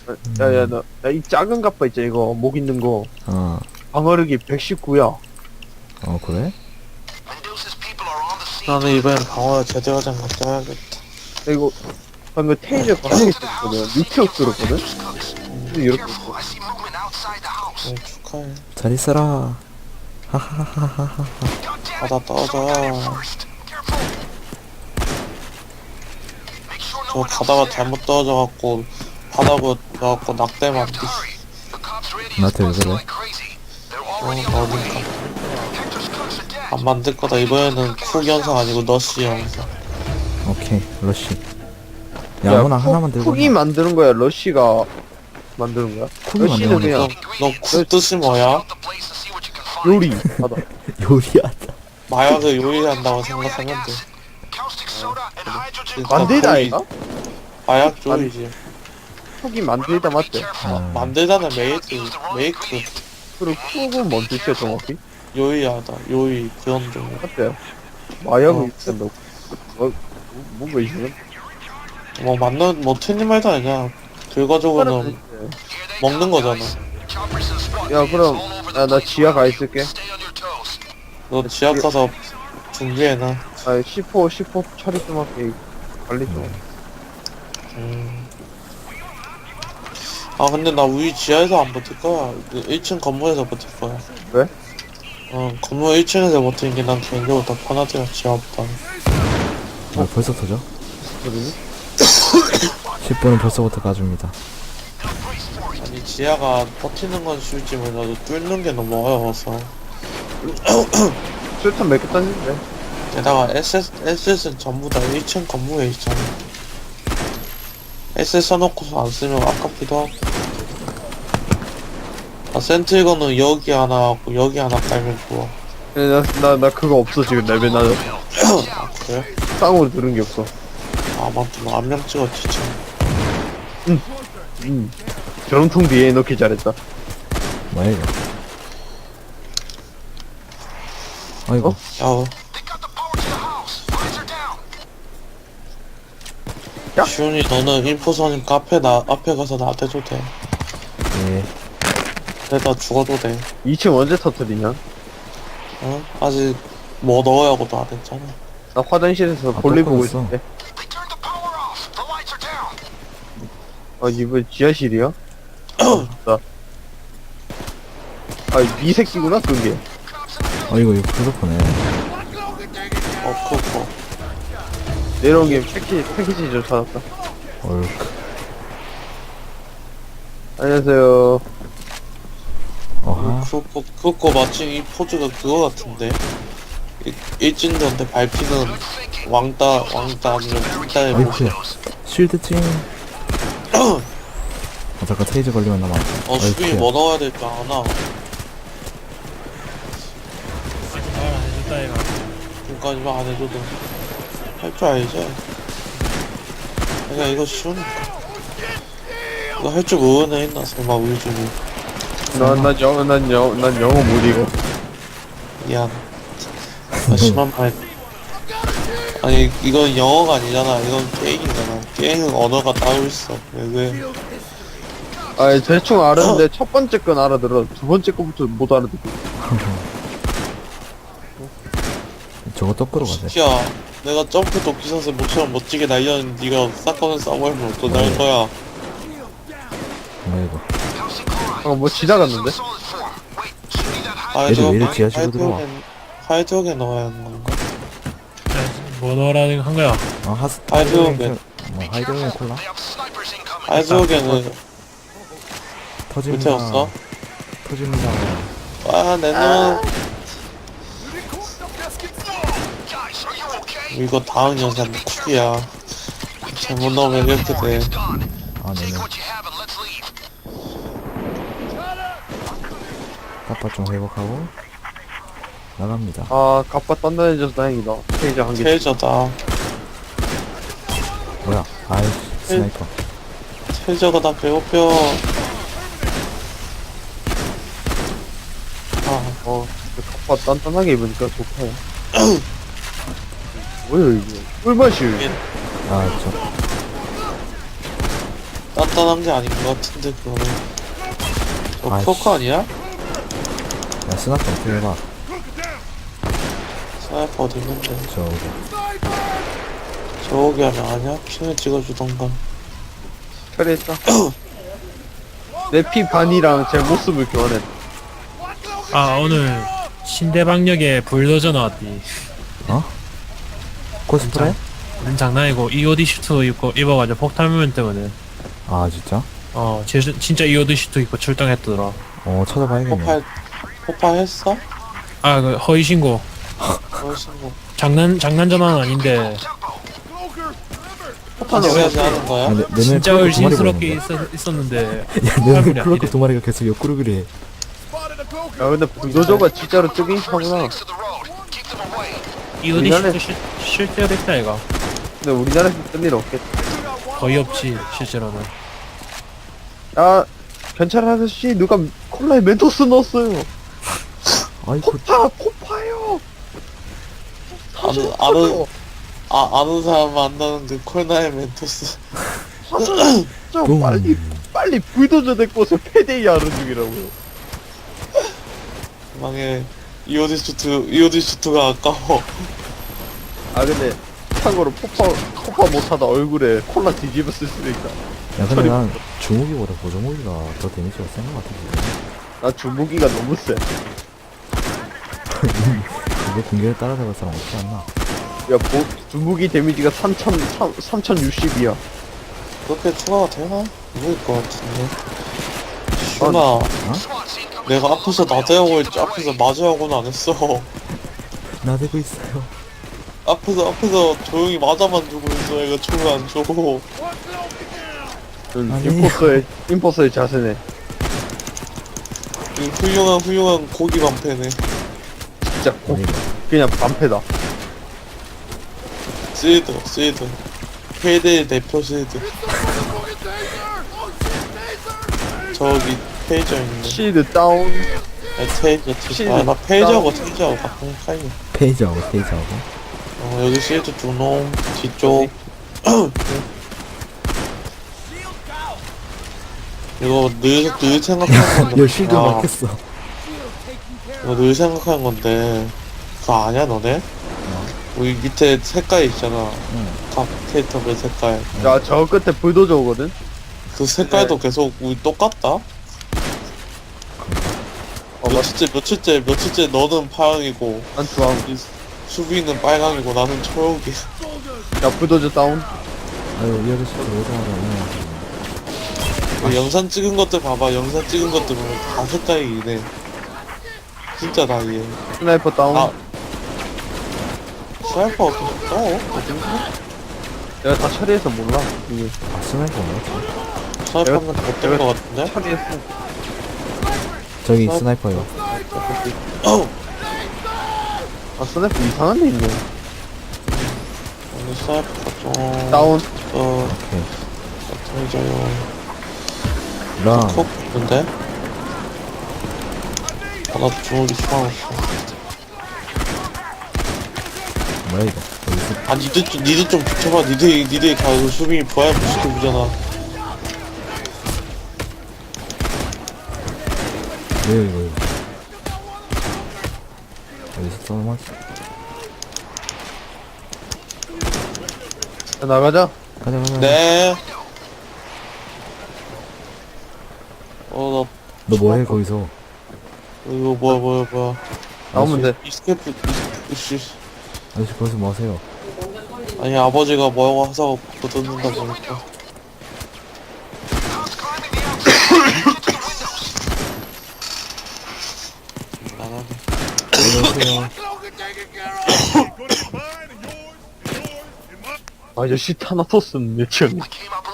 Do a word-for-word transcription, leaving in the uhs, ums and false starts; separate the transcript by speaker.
Speaker 1: 야야 나 이 작은 갑바 있잖아 이거 목 있는 거
Speaker 2: 어,
Speaker 1: 방어력이 백십구야.
Speaker 2: 어, 그래?
Speaker 3: 나는 이번엔 방어 제대로 된 거 써야겠다.
Speaker 1: 이거 방금 테이저가 한개 있었거든. 밑에 들었거든. 근데 이렇게 있어.
Speaker 3: 네, 축하해.
Speaker 2: 잘 있어라. 하하하하하.
Speaker 3: 바다 떠져. 저 가다가 잘못 떨어져갖고 바다고 나갖고 낙대만 뒤.
Speaker 2: 나한테 왜 그래?
Speaker 3: 어, 어딘가. 안 만들 거다. 이번에는 쿡 영상 아니고 너시 영상.
Speaker 2: 오케이, 러쉬. 야, 아무나
Speaker 1: 쿡-
Speaker 2: 하나만 들고.
Speaker 1: 쿡이 만드는 거야. 러쉬가 만드는 거야.
Speaker 2: 쿡이
Speaker 1: 러쉬는
Speaker 2: 만드는
Speaker 1: 그냥
Speaker 3: 너쿡 뜻이 뭐야?
Speaker 1: 요리 하다.
Speaker 2: 요리하다.
Speaker 3: 마약을 요리한다고 생각하면 돼. 그러니까
Speaker 1: 만들다
Speaker 3: 거의
Speaker 1: 아이가?
Speaker 3: 마약 조리지.
Speaker 1: 쿡이 만들다 맞대.
Speaker 2: 아,
Speaker 3: 만들다는 메이크, 메이크,
Speaker 1: 그리고 쿡은 뭔 뜻이야 정확히?
Speaker 3: 요리하다, 요리 그런 종류.
Speaker 1: 맞대. 마약을
Speaker 3: 어.
Speaker 1: 입힌다고. 뭐 뭔가 이상한.
Speaker 3: 뭐 맞는 뭐 틀린 말도 아니야. 결과적으로는 먹는 거잖아.
Speaker 1: 야 그럼 야, 나 지하 가 있을게.
Speaker 3: 너 지하 가서 준비해놔.
Speaker 1: 아 십호 십호 처리 좀 할게. 관리 좀.
Speaker 3: 음. 아 근데 나 우리 지하에서 안 버틸 거야. 그 일 층 건물에서 버틸 거야.
Speaker 1: 왜?
Speaker 3: 어 건물 일 층에서 버티는 게 난 개인적으로 더 편하더라. 지하 없다.
Speaker 2: 아, 벌써 터져?
Speaker 1: 그러니?
Speaker 2: 십 분은 벌써부터 가줍니다.
Speaker 3: 아니 지하가 버티는 건 쉬울지 몰라도 뚫는 게 너무 어려워서.
Speaker 1: 술탄 몇 개 땄는데.
Speaker 3: 게다가 에스에스, 에스에스는 전부 다 일 층 건물에 있잖아. 에스에스 써놓고서 안 쓰면 아깝기도 하고. 아, 센트리건은 여기 하나 하고 여기 하나 깔면 좋아.
Speaker 1: 나나 나 그거 없어 지금 레벨 나
Speaker 3: 아, 그래?
Speaker 1: 쌍으로 들은 게 없어.
Speaker 3: 아, 맞다. 나 안명 찍었지, 참.
Speaker 1: 음. 저런통 뒤에 넣기 잘했다.
Speaker 2: 뭐야, 이거? 아이고,
Speaker 1: 어?
Speaker 3: 야, 어.
Speaker 1: 야?
Speaker 3: 시훈이 너는 인포선임 카페 나, 앞에 가서 나대도 돼.
Speaker 2: 예.
Speaker 3: 내가 죽어도 돼.
Speaker 1: 이 층 언제 터뜨리냐?
Speaker 3: 어? 아직 뭐 넣으라고도 안 했잖아.
Speaker 1: 나 화장실에서
Speaker 2: 아,
Speaker 1: 볼일
Speaker 2: 또
Speaker 1: 보고
Speaker 2: 끊었어.
Speaker 1: 있을 때. 아 이번 지하실이야? 나. 아이 새끼구나 그게.
Speaker 2: 아이고, 이거 부족하네.
Speaker 3: 어, 그거.
Speaker 1: 내려온 게 패키지 패키지 좀 찾았다.
Speaker 2: 얼크.
Speaker 1: 안녕하세요.
Speaker 2: 어하.
Speaker 3: 그거, 그거 마침 이 포즈가 그거 같은데. 일- 일진들한테 밟히는 왕따, 왕따 아니면 왕따의
Speaker 2: 아이쿠.
Speaker 3: 모습.
Speaker 2: 쉴드 찡. 아, 잠깐 테이즈 걸리면 나만.
Speaker 3: 어, 수빈이 뭐 넣어야 될 줄 아나? 그니까 이거 안 해도 돼. 할 줄 알지? 내가 이거 쉬우니까. 이거 할 줄 모르는 애 있나? 설마 우리 중에.
Speaker 1: 난난 영어 난 영어 난 영어 못 읽어.
Speaker 3: 미안. 나 심한 말. 아니, 이건 영어가 아니잖아. 이건 게임이잖아. 게임은 언어가 따로 있어. 왜, 왜?
Speaker 1: 아 대충 알았는데 첫 번째 건 알아들어. 두 번째 거부터 못 알아듣고.
Speaker 2: 저거 또 끌어가네.
Speaker 3: 야, 내가 점프 도끼 선수 모처럼 멋지게 날렸는데 네가 사건을 싸버리면 어떡할 거야?
Speaker 2: 뭐야, 이거.
Speaker 1: 방금 뭐 지나갔는데?
Speaker 3: 아,
Speaker 2: 얘들
Speaker 3: 저거
Speaker 2: 왜 이래 지하실로 들어와?
Speaker 3: 하이드로겐, 하이드로겐 넣어야 하는 건가?
Speaker 4: 뭐 넣으라는 한 거야?
Speaker 2: 아, 하스,
Speaker 3: 하이드로겐.
Speaker 2: 뭐, 하이드로겐 콜라?
Speaker 3: 하이드로겐은
Speaker 2: 터집니다.
Speaker 3: 밑에 없어?
Speaker 2: 터집니다.
Speaker 3: 아, 내 놈. 이거 다음 영상 쿡이야. 잘못 넣으면 이렇게 돼.
Speaker 2: 아, 네네. 까빠 좀 회복하고, 나갑니다.
Speaker 1: 아 갑바 단단해져서 다행이다. 페이지 한 개.
Speaker 3: 테이저다.
Speaker 2: 뭐야, 아이씨, 스나이퍼.
Speaker 3: 테이저가 나 배고파. 아,
Speaker 1: 어 갑바 단단하게 입으니까 좋다. 뭐야 이게? 꿀맛이.
Speaker 3: 이게
Speaker 2: 아, 저,
Speaker 3: 난 간단한 게 아닌 것 같은데 그거는. 저
Speaker 2: 아이씨.
Speaker 3: 포커 아니야?
Speaker 2: 야, 스나프 어떻게 해봐.
Speaker 3: 스나이퍼 어디 있는데?
Speaker 2: 저기.
Speaker 3: 저기 하면 아니야? 핑을 찍어주던가.
Speaker 1: 처리했다. 내 피 반이랑 제 모습을 교환했다.
Speaker 4: 아 오늘 신대방역에 불도저 나왔디.
Speaker 2: 어? 코스프레?
Speaker 4: 는 장난이고 이오디 슈트 입고 입어가지고 폭탄 물면 뜨거든.
Speaker 2: 아, 진짜?
Speaker 4: 어 제, 진짜 이오디 슈트 입고 출동했더라.
Speaker 2: 어, 찾아봐야겠네.
Speaker 3: 폭발, 폭발했어?
Speaker 4: 아 그 허위 신고.
Speaker 3: 훨씬 뭐.
Speaker 4: 장난 장난 전화는 아닌데
Speaker 1: 폭탄을 왜
Speaker 3: 해야지 하는 거야?
Speaker 2: 야, 내, 내
Speaker 4: 진짜
Speaker 2: 눈에 크로커 두 마리
Speaker 4: 의심스럽게
Speaker 2: 보이는데?
Speaker 4: 있었, 있었는데
Speaker 2: 야, 내 눈에
Speaker 4: 팔분이
Speaker 2: 크로커
Speaker 4: 아니래.
Speaker 2: 두 마리가 계속 옆구르 그래.
Speaker 1: 야 근데 불도저가 진짜로 뜨긴 하구나.
Speaker 4: 이오디
Speaker 1: 우리나라에-
Speaker 4: 슈트 실, 실제로 했다 얘가.
Speaker 1: 근데 우리나라에서 뜬 일 없겠다.
Speaker 4: 거의 없지 실제로는.
Speaker 1: 야 경찰 아저씨 누가 콜라에 멘토스 넣었어요.
Speaker 2: 아이고,
Speaker 1: 포파 포파요.
Speaker 3: 아는, 아는, 아, 아는 사람 안다는 그 콜나의 멘토스.
Speaker 1: 저
Speaker 2: 뿡.
Speaker 1: 빨리 빨리 불도저 데리고서 패데이 하는 중이라고요.
Speaker 3: 망해. 이오디 슈트, 이오디 슈트가 아까워.
Speaker 1: 아 근데 참고로 포파 포파 못하다 얼굴에 콜라 뒤집어 쓸 수도 있다.
Speaker 2: 야, 근데 난 주무기보다 보조무기가 더 데미지가 센 것 같아.
Speaker 1: 나 주무기가 너무 세.
Speaker 2: 이거 공격에 따라잡을 사람 없지 않나?
Speaker 1: 야 보, 주무기 데미지가 삼천 삼천육십이야.
Speaker 3: 그렇게 추가가 되나? 모를 것 같은데. 슈나, 내가 앞에서 나대하고 했지, 앞에서 맞으라고는 안 했어.
Speaker 2: 나대고 있어요.
Speaker 3: 앞에서, 앞에서 조용히 맞아만 주고 있어. 얘가 총을 안 줘.
Speaker 2: 아니.
Speaker 1: 임포서의 임포서의 자세네.
Speaker 3: 이 훌륭한, 훌륭한 고기 방패네.
Speaker 1: 진짜 고,
Speaker 2: 아니,
Speaker 1: 그냥 반패다.
Speaker 3: 스웨드, 스웨드. 페이데이 대표 스웨드. 저기, 페이저 있네.
Speaker 1: 시드 다운.
Speaker 3: 아, 테이저, 테이저. 아, 나 페이저하고 테이저하고 같은 카이네.
Speaker 2: 페이지하고 페이지하고.
Speaker 3: 어, 여기 스웨드 두 놈, 뒤쪽. 이거 늘, 늘 생각하는 건데.
Speaker 2: 야, 쉴드
Speaker 3: 아,
Speaker 2: 막혔어.
Speaker 3: 이거 늘 생각하는 건데. 그거 아냐, 너네? 여기 밑에 색깔 있잖아.
Speaker 2: 응.
Speaker 3: 각 캐릭터별 색깔.
Speaker 1: 야 저 끝에 불도저 오거든.
Speaker 3: 그 색깔도 계속 우리 똑같다?
Speaker 1: 어, 맞-
Speaker 3: 며칠째, 며칠째, 며칠째 너는 파랑이고,
Speaker 1: 난 주황.
Speaker 3: 이 수비는 빨강이고, 나는 초록이야.
Speaker 1: 야 불도저 다운.
Speaker 2: 아유, 이 아저씨 오자마자 오네.
Speaker 3: 그 영상 찍은 것들 봐봐. 영상 찍은 것들 보면 다 색깔이 이네. 진짜 다 이해.
Speaker 1: 스나이퍼 다운.
Speaker 3: 아. 스나이퍼 어떻게 떠? 어딘가?
Speaker 1: 내가 다 처리해서 몰라. 이게
Speaker 2: 아, 스나이퍼 뭐였지?
Speaker 3: 스나이퍼는 못된 것 같은데?
Speaker 1: 처리했어.
Speaker 2: 저기
Speaker 3: 스나이-
Speaker 2: 스나이퍼요.
Speaker 3: 어우!
Speaker 1: 아 스나이퍼 이상한 데 있네.
Speaker 3: 오늘 스나이퍼가 좀.
Speaker 1: 다운.
Speaker 3: 어,
Speaker 2: 오케이.
Speaker 3: 어떻게져요?
Speaker 2: 랑.
Speaker 3: 콕 있는데? 아, 나 주먹이 추가했어.
Speaker 2: 뭐야, 이거. 여기서
Speaker 3: 아, 니들 좀, 니들 좀 비켜봐. 니들, 니들 가서 수빈이 부활 못 시켜주잖아.
Speaker 2: 왜 이거, 이거. 여기서 썰맞지.
Speaker 1: 자, 나가자.
Speaker 2: 가자, 가자.
Speaker 3: 네. 어,
Speaker 2: 너 뭐해, 거기서?
Speaker 3: 나, 이거 뭐야, 뭐야, 뭐야.
Speaker 1: 나오면 돼.
Speaker 3: 이스케프, 이씨.
Speaker 2: 아저씨, 거기서 뭐 하세요?
Speaker 3: 아니, 아버지가 뭐라고 하자고 바꿔 듣는다 보니까. 나가네.
Speaker 2: 안녕하세요.
Speaker 1: 아저씨 타나토스는 내 취향.
Speaker 5: I came up